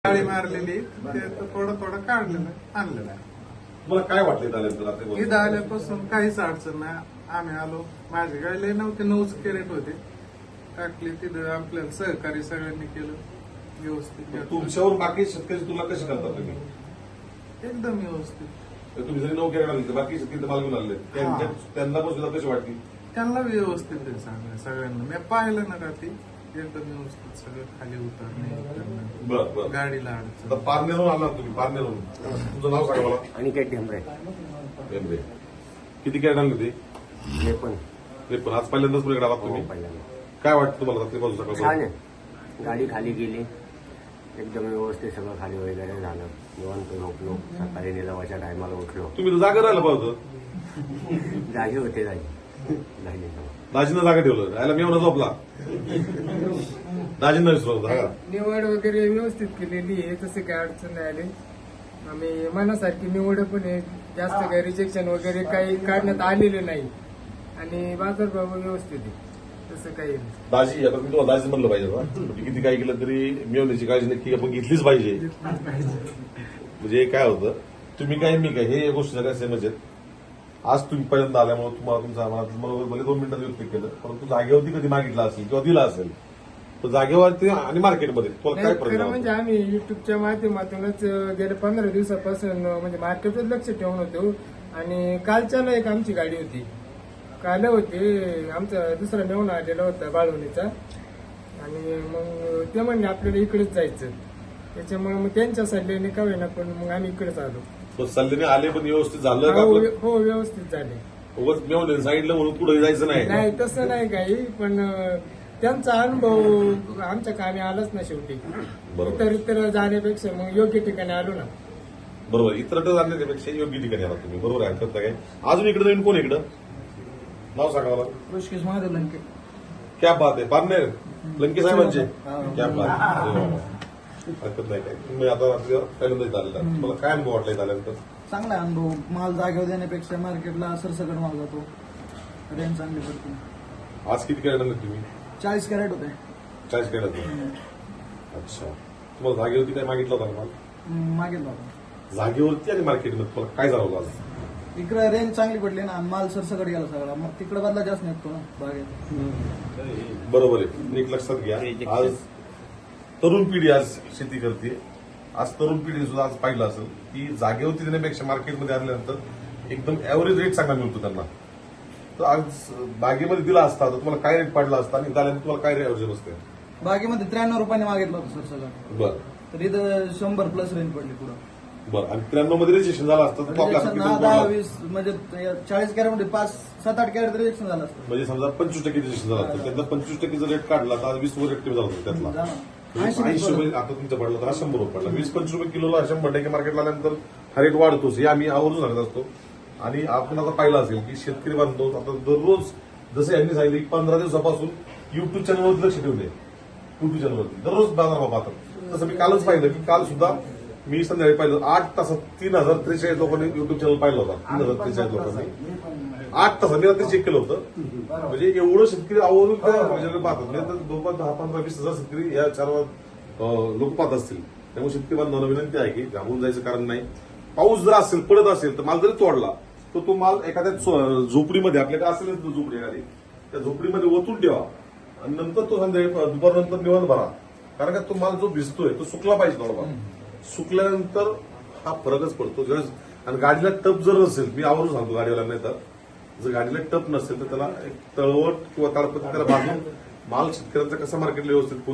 गाडी मारलेली ते थोडं थोडं काढलेलं आणलेलं आहे. तुम्हाला काय वाटलं इथं आल्यानंतर? इथं आल्यापासून काहीच अडचण नाही. आम्ही आलो, माझी गाडी लय नव्हती, 9 कॅरेट होते, टाकली तिथं. आपल्याला सहकार्य सगळ्यांनी केलं व्यवस्थित. तुमच्यावर बाकी शेतकरी तुला कशी करतात तुम्ही? एकदम व्यवस्थित. तर तुम्ही जरी 9 कॅरेट आणले तर बाकी शेतकरी माल घेऊन आणले, त्यांना पण सुद्धा कशी वाटली? त्यांना व्यवस्थित आहे चांगलं सगळ्यांना. मी पाहिलं ना का ती एकदम व्यवस्थित सगळं खाली उतरणे, बरं. गाडीला अडचण. आता पारनेरून आला तुम्ही, पारनेरून. तुमचं नाव सांगा मला. अनिकेत ढेंबरे. ढेंबरे. किती कॅरेट आणले ते? हे पण पण आज पहिल्यांदाच पुढे आलात तुम्ही. पहिल्यांदा. काय वाटतं तुम्हाला रात्रीपासून छान सकाळ? आहे. गाडी खाली गेली, एकदम व्यवस्थित सगळं खाली वगैरे झालं. निवांत झोपलो, सकाळी निलावाच्या टायमाला उठलो. तुम्ही तर जागा राहिला पाहिजे. जागी होते झाली. दाजीनं जागा ठेवलं, राहायला मी एवढा झोपला. दाजींना विसरलो जागा. निवड वगैरे व्यवस्थित केलेली आहे, तसे काय अडचण नाही आली. आम्ही मनासारखी निवड पण आहे, जास्त काही रिजेक्शन वगैरे काही काढण्यात आलेले नाही आणि बाजारभाव व्यवस्थित आहे, तसं काही नाही. दाजी, आता मी तुम्हाला दाजी म्हणलं पाहिजे ना. म्हणजे किती काय केलं तरी मिळवण्याची काळजी नक्की आपण घेतलीच पाहिजे. म्हणजे काय होतं, तुम्ही काय मी काय हे या गोष्टी सगळ्या सेमच आहेत. आज तुम्ही पहिल्यांदा आल्यामुळे तुम्हाला तुमचा मनात भले 2 मिनिटात व्यक्त केलं, परंतु जागेवरती कधी मागितला असेल किंवा दिला असेल तर जागेवरती आणि मार्केटमध्ये तुम्हाला काय नाही, फरक खरं म्हणजे आम्ही युट्यूबच्या माध्यमातूनच गेल्या 15 दिवसापासून म्हणजे मार्केटवर लक्ष ठेवून होतो. आणि कालच्याला एक आमची गाडी होती, काल होती आमचा दुसरा मेहून आलेला होता बाळवणीचा, आणि मग ते म्हणले आपल्याला इकडेच जायचं. त्याच्यामुळे मग त्यांच्या सल्ल्याने का होईना पण मग आम्ही इकडेच आलो. सल्ल्याने आले पण व्यवस्थित झालं का? हो व्यवस्थित झाले. उगाच मेवणे सांगितलं म्हणून पुढे जायचं नाही. नाही तसं नाही काही, पण त्यांचा अनुभव आमच्या कामी आलाच ना शेवटी. बरोबर. इतर जाण्यापेक्षा मग योग्य ठिकाणी आलो ना. बरोबर. इतर जाण्यापेक्षा योग्य ठिकाणी आला तुम्ही. बरोबर आहे, हरकत काय. अजून इकडे नवीन कोण इकडं? नाव सांगा मला. ऋषिकेश महादेव लंके. क्या बात आहे. पारनेर लंके साहेबांचे. क्या बात आहे. अरे वा. हरकत नाही काय. तुम्ही आता पहिल्यांदा इथं आलेला, तुम्हाला काय अनुभव वाटला इथं आल्यानंतर? चांगला आहे अनुभव. माल जागेवर देण्यापेक्षा मार्केटला सरसकट माल जातो, रेंज चांगली पडते. आज किती कॅरेट आणले तुम्ही? 40 कॅरेट होते. 40 कॅरेट. अच्छा. तुम्हाला जागेवरती काय मागितलं होतं का माल? मागितला होता. जागेवरती आणि मार्केटमध्ये तुम्हाला काय जाणवलं आज? इकडे रेंज चांगली पडली ना, माल सरसकट गेला सगळा. मग तिकडे बदला जास्त निघतो ना बागेत. बरोबर आहे. नीट लक्षात घ्या, आज तरुण पिढी आज शेती करते. आज तरुण पिढी सुद्धा आज पाहिलं असेल की जागेवरती देण्यापेक्षा मार्केटमध्ये आणल्यानंतर एकदम ऍव्हरेज रेट चांगला मिळतो त्यांना. तर आज बागेमध्ये दिला असता तर तुम्हाला काय रेट पडला असता आणि आल्यानंतर तुम्हाला काय ऍव्हरेज बसते? बागेमध्ये 93 रुपयाने मागितलं होतं सरसकट. बरं तर इथं 100 प्लस रेंज पडली पुढं. बरं. आणि 93 मध्ये रजिस्ट्रेशन झालं असतं तर तो आपल्या हातात किती 10, पडला? 20 म्हणजे 40 कॅरेट मध्ये 5-7-8 कॅरेट रिजेक्शन झालं असतं. म्हणजे समजा 25% रजिस्ट्रेशन झालं असतं, त्यातलं 25% रेट काढला तर आज 20 रेट कमी झाला होता त्यातला. 80 रुपये आता तुमचा पडला तर हा 100 रुपये पडला. 20-25 रुपये किलोला 100% मार्केटला आल्यानंतर हा रेट वाढतोच. हे आम्ही आवर्जून सांगत असतो. आणि आपण आता पाहिलं असेल की शेतकरी बांधव आता दररोज जसं यांनी सांगितलं की 15 दिवसापासून युट्यूब चॅनलवरती लक्ष ठेवले. युट्यूब चॅनलवरती दररोज बाजारभाव पाहतात. तसं मी कालच पाहिलं की काल सुद्धा मी संध्याकाळी पाहिलं 8 तासात 3043 लोकांनी युट्यूब चॅनल पाहिलं होता. 3043 लोकांनी 8 तासात. मी रात्री चेक केलं होतं. म्हणजे एवढं शेतकरी आवर्जून पाहतात. म्हणजे 10-15-20 हजार शेतकरी या 4 लोक पाहत असतील. त्यामुळे शेतकरी बांधवांना विनंती आहे की घाबरून जायचं कारण नाही. पाऊस जर असेल, पडत असेल तर माल जरी तोडला तर तो माल एखाद्या झोपडीमध्ये, आपल्याकडे असेल झोपडी एखादी, त्या झोपडीमध्ये ओतून ठेवा आणि नंतर तो संध्याकाळी दुपारनंतर निवांत भरा. कारण का तो माल जो भिजतोय तो सुकला पाहिजे थोडा. सुकल्यानंतर हा फरकच पडतो. आणि गाडीला टप जर नसेल, मी आवर्जून सांगतो गाडीवाल्यांना, तर जर गाडीला टप नसेल तर त्याला एक तळवट किंवा ताडपत्री त्याला बांधून माल शेतकऱ्यांचा कसा मार्केटला व्यवस्थित